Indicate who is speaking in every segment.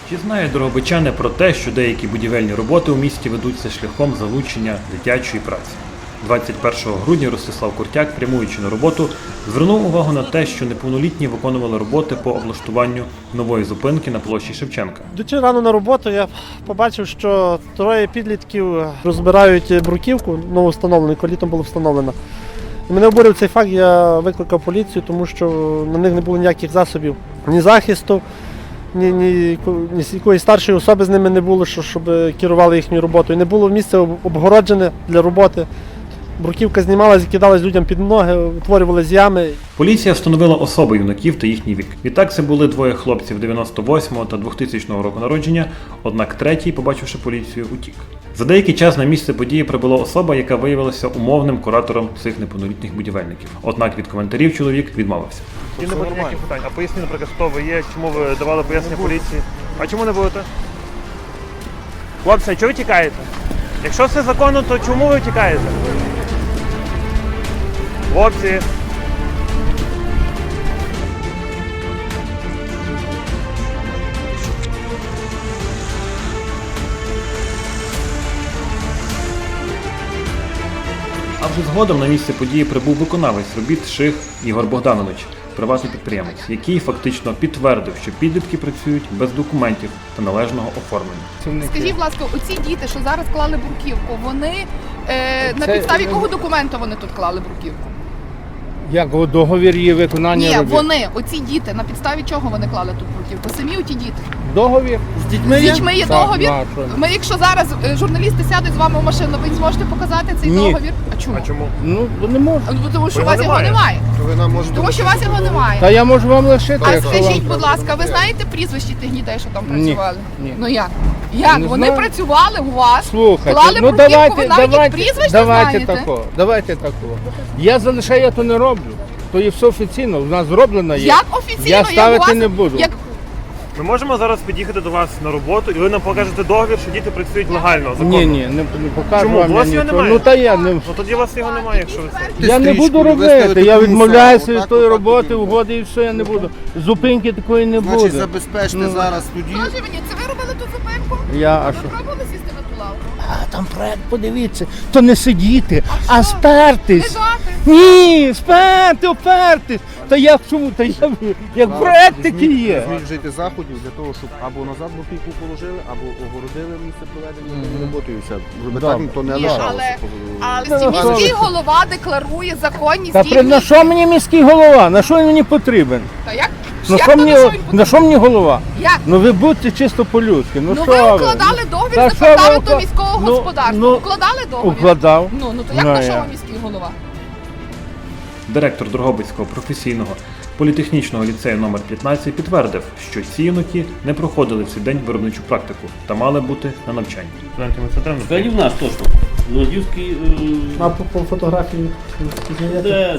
Speaker 1: Чи знають дрогобичани про те, що деякі будівельні роботи у місті ведуться шляхом залучення дитячої праці? 21 грудня Ростислав Куртяк, прямуючи на роботу, звернув увагу на те, що неповнолітні виконували роботи по облаштуванню нової зупинки на площі Шевченка.
Speaker 2: Йдучи рано на роботу, я побачив, що троє підлітків розбирають бруківку, нововстановлену, яка літом була встановлена. І мене обурив цей факт, я викликав поліцію, тому що на них не було ніяких засобів, ні захисту, ні якоїсь старшої особи з ними не було, щоб керували їхньою роботою. Не було місця обгороджене для роботи. Бруківка знімалась, кидалась людям під ноги, утворювались ями.
Speaker 1: Поліція встановила особи юнаків та їхній вік. Відтак це були двоє хлопців 98-го та 2000 року народження, однак третій, побачивши поліцію, утік. За деякий час на місце події прибула особа, яка виявилася умовним куратором цих неповнолітніх будівельників. Однак від коментарів чоловік відмовився.
Speaker 3: І не буде ніяких питань. А поясніть, наприклад, хто ви є, чому ви давали пояснення поліції? А чому не будете? Хлопці, а чого ви тікаєте? Якщо все законно, то чому ви тікаєте? Хлопці!
Speaker 1: А вже згодом на місце події прибув виконавець робіт Ших Ігор Богданович, приватний підприємець, який фактично підтвердив, що підлітки працюють без документів та належного оформлення.
Speaker 4: Скажіть, будь ласка, оці діти, що зараз клали бруківку, вони на підставі якого документу вони тут клали бруківку?
Speaker 5: Як договір є виконання
Speaker 4: Ні,
Speaker 5: робіт?
Speaker 4: вони, оці діти, на підставі чого вони клали тут бруківку? Самі оті діти.
Speaker 5: Договір?
Speaker 2: З дітьми
Speaker 4: З дітьми є
Speaker 5: Так,
Speaker 4: договір.
Speaker 5: а що?
Speaker 4: Ми, якщо зараз журналісти сядуть з вами в машину, ви зможете показати цей
Speaker 5: Ні.
Speaker 4: договір? А чому?
Speaker 3: А чому?
Speaker 5: Ну, не можу.
Speaker 4: Тому що у
Speaker 3: Його
Speaker 4: вас його
Speaker 3: немає.
Speaker 4: немає. Тому що у вас його немає.
Speaker 5: Та я можу вам лишити,
Speaker 4: А
Speaker 5: якщо
Speaker 4: скажіть,
Speaker 5: вам...
Speaker 4: будь ласка, ви знаєте прізвища тих дітей, що там
Speaker 5: Ні,
Speaker 4: працювали?
Speaker 5: ні.
Speaker 4: Ну як? Як?
Speaker 5: Не
Speaker 4: Вони
Speaker 5: знаю.
Speaker 4: працювали у вас,
Speaker 5: Слухайте,
Speaker 4: клали
Speaker 5: ну
Speaker 4: бруківку, ви навіть їх прізвищ не знаєте?
Speaker 5: давайте такого. Я залишаю, я то не роблю. То є все офіційно, у нас зроблено є.
Speaker 4: Як офіційно?
Speaker 5: Я
Speaker 4: Як
Speaker 5: ставити
Speaker 4: у вас,
Speaker 5: не буду.
Speaker 4: Як...
Speaker 3: Ми можемо зараз під'їхати до вас на роботу і ви нам покажете договір, що діти працюють легально, законно.
Speaker 5: Ні, не покажу
Speaker 3: Чому?
Speaker 5: вам
Speaker 3: У вас
Speaker 5: я
Speaker 3: його
Speaker 5: нічого.
Speaker 3: немає?
Speaker 5: Ну та я не...
Speaker 3: Ну тоді у вас його немає, якщо ви це.
Speaker 5: Я не буду робити, я відмовляюся від тої роботи, угоди і все, я не буду. Зупинки такої не
Speaker 6: Значить,
Speaker 5: буде.
Speaker 6: забезпечте зараз тоді.
Speaker 4: Скажи мені, це ви робили ту зупинку?
Speaker 5: А
Speaker 4: Ви
Speaker 5: що?
Speaker 4: пробували сісти на ту лавку?
Speaker 5: А там проект, подивіться, то не сидіти, а спертись.
Speaker 4: Лежати?
Speaker 5: Ні, опертись. Та як чому? Та як проект такий є.
Speaker 6: Візьміть вжити заходів для того, щоб або назад бруківку положили, або огородили місце проведення роботи і все. Щоб так то не
Speaker 4: Ні,
Speaker 6: лишалося.
Speaker 4: але міський голова декларує законність
Speaker 5: Та на що мені міський голова? На що він мені потрібен?
Speaker 4: Та як?
Speaker 5: На
Speaker 4: Як
Speaker 5: що
Speaker 4: то
Speaker 5: мені,
Speaker 4: на що він
Speaker 5: на
Speaker 4: потрібен?
Speaker 5: що мені голова?
Speaker 4: Як?
Speaker 5: Ну ви будьте чисто по-людськи. Ну
Speaker 4: Ну
Speaker 5: що
Speaker 4: ви укладали договір
Speaker 5: Та
Speaker 4: з
Speaker 5: що ви
Speaker 4: департаментом
Speaker 5: укла-
Speaker 4: міського
Speaker 5: Ну,
Speaker 4: господарства.
Speaker 5: ну,
Speaker 4: Укладали договір?
Speaker 5: Укладав.
Speaker 4: Ну то як
Speaker 5: Ну,
Speaker 4: на що
Speaker 5: я.
Speaker 4: вам міський голова?
Speaker 1: Директор Дрогобицького професійного політехнічного ліцею номер 15 підтвердив, що ці юнаки не проходили в цей день виробничу практику та мали бути на навчанні.
Speaker 7: Взагалі в нас точно. Лодівський,
Speaker 2: А по фотографії
Speaker 7: де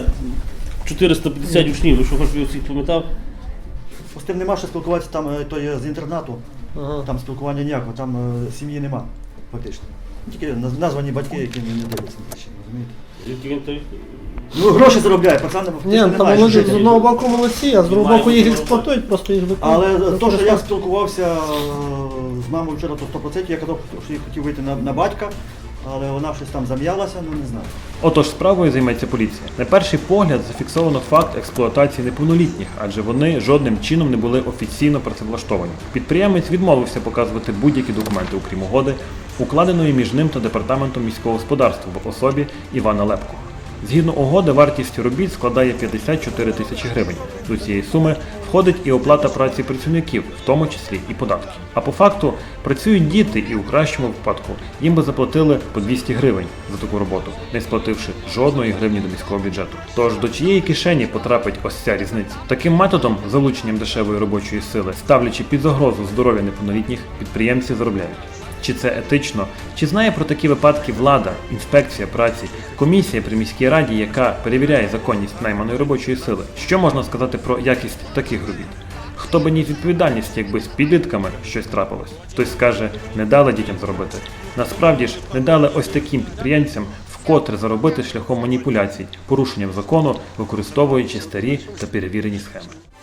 Speaker 7: 450 учнів, ви що хоч всіх пам'ятав?
Speaker 8: З тим нема що спілкуватися, там то є з інтернату, там спілкування ніякого, там сім'ї нема фактично. Тільки названі батьки, які не дивляться на ще, розумієте?
Speaker 7: Який він той?
Speaker 8: Ну гроші заробляє, пацани
Speaker 2: Ні,
Speaker 8: фактично
Speaker 2: там
Speaker 8: немає.
Speaker 2: вони
Speaker 8: що
Speaker 2: ж з
Speaker 8: жити.
Speaker 2: одного боку молодці, а з другого боку їх експлуатують, просто їх виконують.
Speaker 8: Але то, що я спілкувався з мамою вчора, то 100%, я казав, що я хотів вийти на батька, але вона щось там зам'ялася, ну не знаю.
Speaker 1: Отож, справою займеться поліція. На перший погляд зафіксовано факт експлуатації неповнолітніх, адже вони жодним чином не були офіційно працевлаштовані. Підприємець відмовився показувати будь-які документи, окрім угоди, укладеної між ним та департаментом міського господарства в особі Івана Лепко. Згідно угоди, вартість робіт складає 54 тисячі гривень. До цієї суми входить і оплата праці працівників, в тому числі і податки. А по факту працюють діти і у кращому випадку їм би заплатили по 200 гривень за таку роботу, не сплативши жодної гривні до міського бюджету. Тож до чиєї кишені потрапить ось ця різниця? Таким методом, залученням дешевої робочої сили, ставлячи під загрозу здоров'я неповнолітніх, підприємці заробляють. Чи це етично? Чи знає про такі випадки влада, інспекція праці, комісія при міській раді, яка перевіряє законність найманої робочої сили? Що можна сказати про якість таких робіт? Хто би ніс відповідальність, якби з підлітками щось трапилось? Хтось скаже, не дали дітям заробити. Насправді ж, не дали ось таким підприємцям вкотре заробити шляхом маніпуляцій, порушенням закону, використовуючи старі та перевірені схеми.